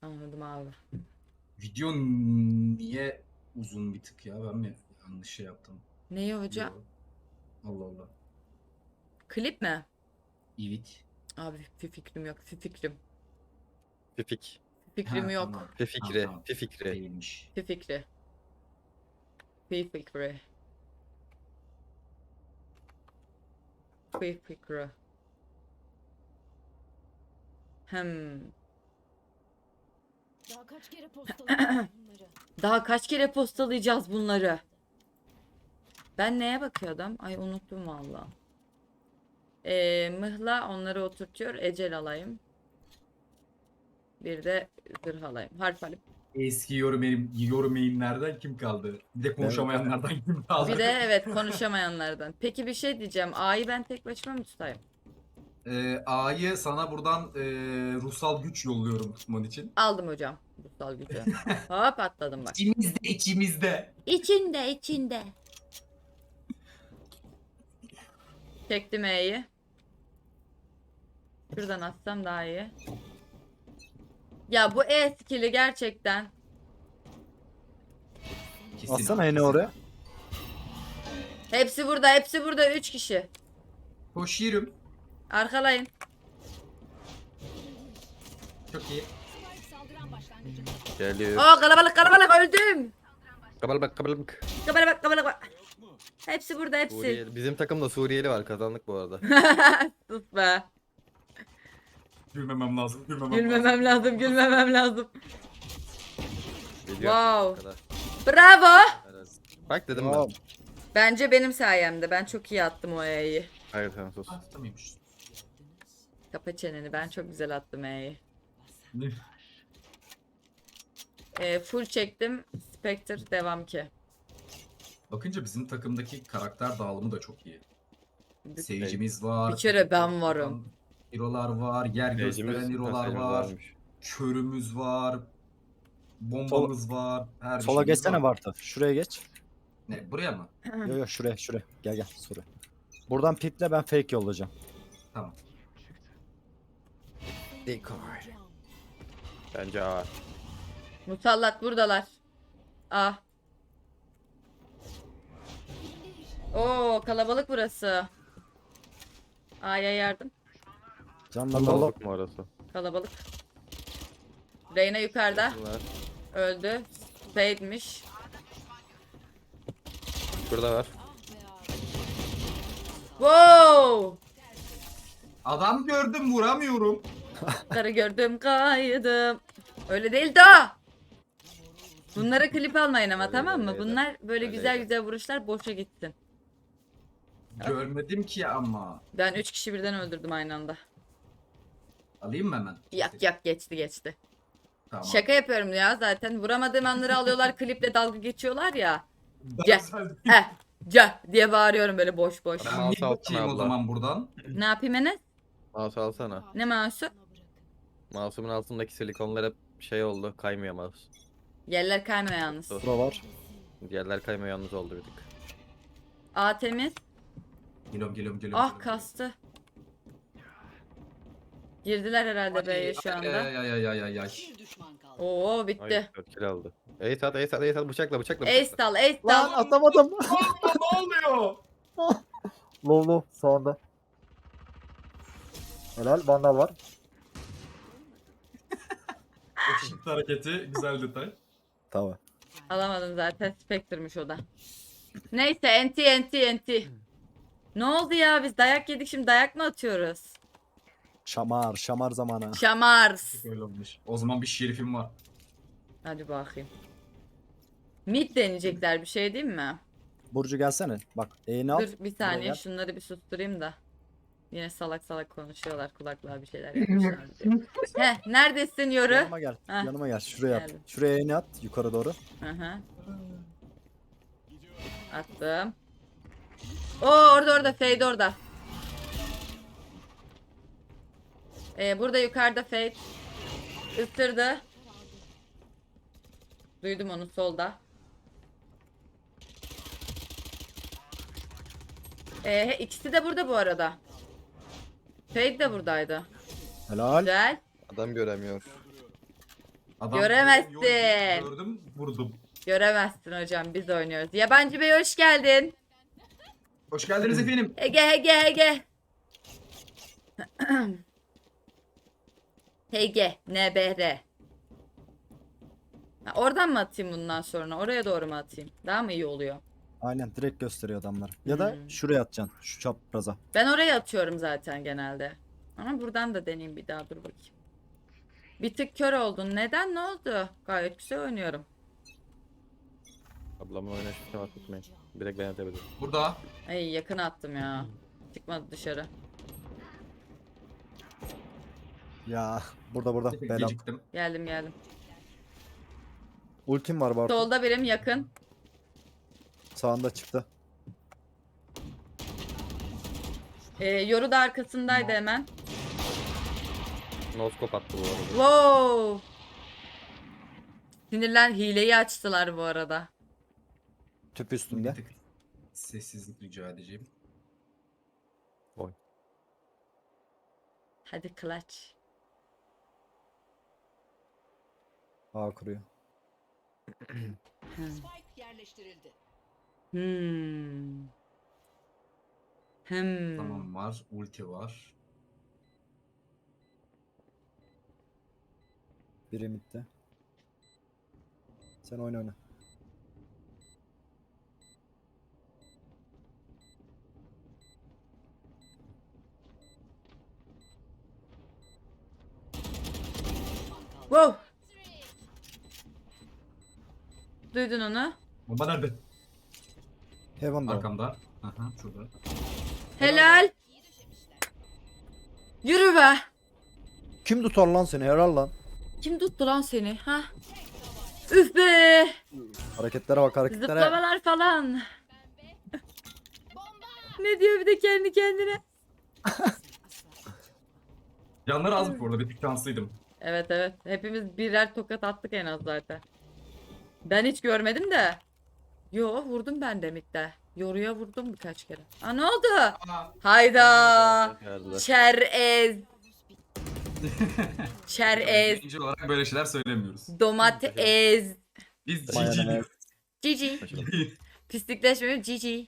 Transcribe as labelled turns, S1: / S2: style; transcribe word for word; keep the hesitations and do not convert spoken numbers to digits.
S1: Anladım abi.
S2: Video niye uzun bir tık ya? Ben mi yanlış şey yaptım?
S1: Neyi hocam?
S2: Yo. Allah Allah.
S1: Klip mi?
S2: Evet.
S1: Abi bir fikrim yok. Bir fikrim.
S3: Fifik.
S1: Bir fikrim
S2: Ha,
S1: yok.
S2: tamam.
S3: Fifikri.
S2: Tamam, tamam.
S3: Fifikri.
S2: Değilmiş.
S1: Bir fikri. Bir fikri. Bir fikri. Hmm.
S4: Daha kaç kere postalayacağım bunları?
S1: Daha kaç kere postalayacağız bunları? Ben neye bakıyordum? Ay unuttum valla. Ee, mıhla onları oturtuyor. Ecel alayım. Bir de zırh alayım. Harf alayım.
S2: Eski yorum, yorum kim kaldı? Bir de konuşamayanlardan kim kaldı?
S1: Bir de evet konuşamayanlardan. Peki bir şey diyeceğim. A'yı ben tek başıma mı tutayım?
S2: Ee, A'yı sana buradan e, ruhsal güç yolluyorum tutman için.
S1: Aldım hocam. Kutsal gücü. Hop atladım bak.
S2: İçimizde içimizde.
S1: İçinde içinde. Çektim E'yi. Şuradan atsam daha iyi. Ya bu E skill'i gerçekten.
S2: Kesin
S5: Atsana
S2: abi,
S5: yine
S2: kesin.
S5: oraya.
S1: Hepsi burada, hepsi burada. Üç kişi.
S2: Koşuyorum.
S1: Arkalayın.
S2: Çok iyi.
S4: Saldıran başlangıcında.
S3: Geliyor.
S1: Oo kalabalık kalabalık öldüm.
S3: Kabalık kabalık.
S1: Kalabalık kalabalık bak. Hepsi burada hepsi.
S3: Suriyeli. Bizim takımda Suriyeli var. Kazandık bu arada.
S1: Sus be.
S2: Gülmemem lazım. Gülmemem,
S1: Gülmemem lazım, gülmemem lazım.
S3: Geliyor.
S1: Wow.
S3: Kadar.
S1: Bravo.
S3: Evet. Bak dedim
S5: Tamam.
S3: ben.
S1: Bence benim sayemde. Ben çok iyi attım o E'yi.
S3: Hayır tamam sus.
S2: Ah, tutamıyormuş.
S1: Kapa çeneni. Ben çok güzel attım E'yi. E, full çektim. Spectre devam ki.
S2: Bakınca bizim takımdaki karakter dağılımı da çok iyi.
S1: Bir-
S2: Seyircimiz var.
S1: Bir kere ben varım.
S2: Hero'lar var. Yer gösteren
S3: Seyircimiz-
S2: hero'lar
S3: seyircimiz
S2: var.
S3: varmış.
S2: Körümüz var. Bombamız var. Her
S5: Sola
S2: şeyimiz
S5: geçsene
S2: var.
S5: Bartu. Şuraya geç.
S2: Ne, buraya mı?
S5: Yo yo şuraya şuraya. Gel gel şuraya. Buradan piple ben fake yollayacağım.
S2: Tamam.
S3: Decoy. Bence A.
S1: Musallat buradalar. Ah. Oo kalabalık burası. A'ya yardım.
S5: Canla dolu.
S3: Kalabalık mı orası?
S1: Kalabalık. Reyna yukarıda.
S3: Bunlar.
S1: Öldü. Fade'miş.
S3: Burada var.
S1: Wow.
S2: Adam gördüm vuramıyorum.
S1: Karı gördüm kaydım. Öyle değil de o. Bunlara klip almayın ama
S3: Öyle,
S1: tamam mı?
S3: öyleydi.
S1: Bunlar böyle güzel
S3: Öyleydi.
S1: güzel vuruşlar boşa gitsin.
S2: Görmedim ki ama.
S1: Ben üç kişi birden öldürdüm aynı anda.
S2: Alayım mı hemen?
S1: Yak yak geçti geçti.
S2: Tamam.
S1: Şaka yapıyorum ya zaten. Vuramadığım anları alıyorlar kliple dalga geçiyorlar ya.
S2: Daha
S1: Gel.
S2: güzel.
S1: Eh ca diye bağırıyorum böyle boş boş.
S2: Ben
S3: Mouse
S2: bir bakayım
S3: alsana
S2: o
S3: abla.
S2: zaman buradan.
S1: Ne yapayım Enes?
S3: Mouse alsana.
S1: Ne mouse'u?
S3: Mouse'umun altındaki silikonlar hep şey oldu. Kaymıyor mouse.
S1: Yerler kaymıyor yalnız.
S3: Dur.
S5: Bura var.
S3: Diğerler kaymıyor yalnız oldu bir tık.
S1: A temiz.
S2: Geliyorum geliyorum geliyorum.
S1: Ah kastı. Girdiler herhalde B'ye şu anda.
S2: Ay ay ay ay ay ay.
S4: Bir düşman kaldı.
S1: Oo
S3: Ay
S1: bitti.
S3: dört kill aldı. Ace at ace at ace at bıçakla bıçakla
S1: Ace
S3: bıçakla.
S1: dal ace
S5: Lan
S1: dal.
S5: atamadım.
S2: ne oluyor?
S5: Low low sağında. Helal vandal var.
S2: Işık hareketi güzel detay.
S5: Tamam.
S1: Alamadım zaten Spectre'mış o da. Neyse enti enti enti. Ne oldu ya biz dayak yedik şimdi dayak mı atıyoruz?
S5: Şamar şamar zamanı.
S1: Şamars.
S2: Öyle olmuş. O zaman bir şerifim var.
S1: Hadi bakayım. Mid deneyecekler bir şey değil mi?
S5: Burcu gelsene. Bak eğini al.
S1: Dur bir saniye
S5: gel.
S1: şunları bir susturayım da. Yine salak salak konuşuyorlar kulaklığa bir şeyler yapmışlar. Heh neredesin yoru?
S5: Yanıma gel.
S1: Heh.
S5: Yanıma gel. Şuraya at.
S1: Geldim.
S5: Şuraya eğini at. Yukarı doğru.
S1: Hı hı. Attım. Oo orada orada Fade orada. Ee, burada yukarıda Fade. Isırdı. Duydum onu solda. Ee, ikisi de burada bu arada. Fade de buradaydı.
S5: Helal.
S1: Güzel.
S3: Adam göremiyor.
S2: Adam
S1: Göremezsin.
S2: Gördüm, gördüm, vurdum.
S1: Göremezsin hocam, biz oynuyoruz. Yabancı Bey hoş geldin.
S2: Hoş geldiniz efendim.
S1: Ege Ege Ege. Ege N B R. Ha, oradan mı atayım bundan sonra? Oraya doğru mu atayım? Daha mı iyi oluyor?
S5: Aynen direkt gösteriyor adamlar. Ya da
S1: Hmm.
S5: şuraya atacaksın. Şu çapraza.
S1: Ben oraya atıyorum zaten genelde. Ama buradan da deneyeyim bir daha, dur bakayım. Bir tık kör oldun. Neden? Ne oldu? Gayet güzel oynuyorum.
S3: Ablamın oynayışına bak tutmayın. Direkt ben atebilirim.
S2: Burada.
S1: Ay yakın attım ya. Çıkmadı dışarı.
S5: Ya burada burada. Belam.
S2: Geciktim.
S1: Geldim geldim.
S5: Ultim var Bartu.
S1: Solda birim yakın.
S5: Sağında çıktı.
S1: Ee, yoru da arkasındaydı hemen.
S3: Noskop attı bu arada.
S1: Wow. Sinirlen hileyi açtılar bu arada.
S5: Tüp üstünde.
S2: Bir tık sessizlik rica edeceğim.
S3: Oy.
S1: Hadi clutch.
S5: A kuruyor.
S4: Spike yerleştirildi.
S1: Hmm. Hmm.
S2: Tamam var. Ulti var.
S5: Biri midde. Sen oyna oyna.
S1: Wow. Duydun onu.
S2: Bomba nerede?
S5: Heaven'da. o.
S2: Arkamda. Aha şurada.
S1: Helal. Yürü be.
S5: Kim tutar lan seni? Helal lan.
S1: Kim tuttu lan seni? Ha? Üf be.
S5: Hareketlere bak hareketlere.
S1: Zıplamalar falan. Ne diyor bir de kendi kendine?
S2: Canları az bu arada. Bir tık şanslıydım.
S1: Evet evet. Hepimiz birer tokat attık en az zaten. Ben hiç görmedim de. Yo vurdum ben de midde. Yoruya vurdum birkaç kere. Aa ne oldu?
S2: Aa,
S1: Hayda.
S3: Geldiler.
S1: Çerez. Çerez.
S2: birinci olarak böyle şeyler söylemiyoruz.
S1: Domates.
S2: Biz
S5: Mayonez.
S2: G G
S1: Cici. Pislikleşmiyor. Cici.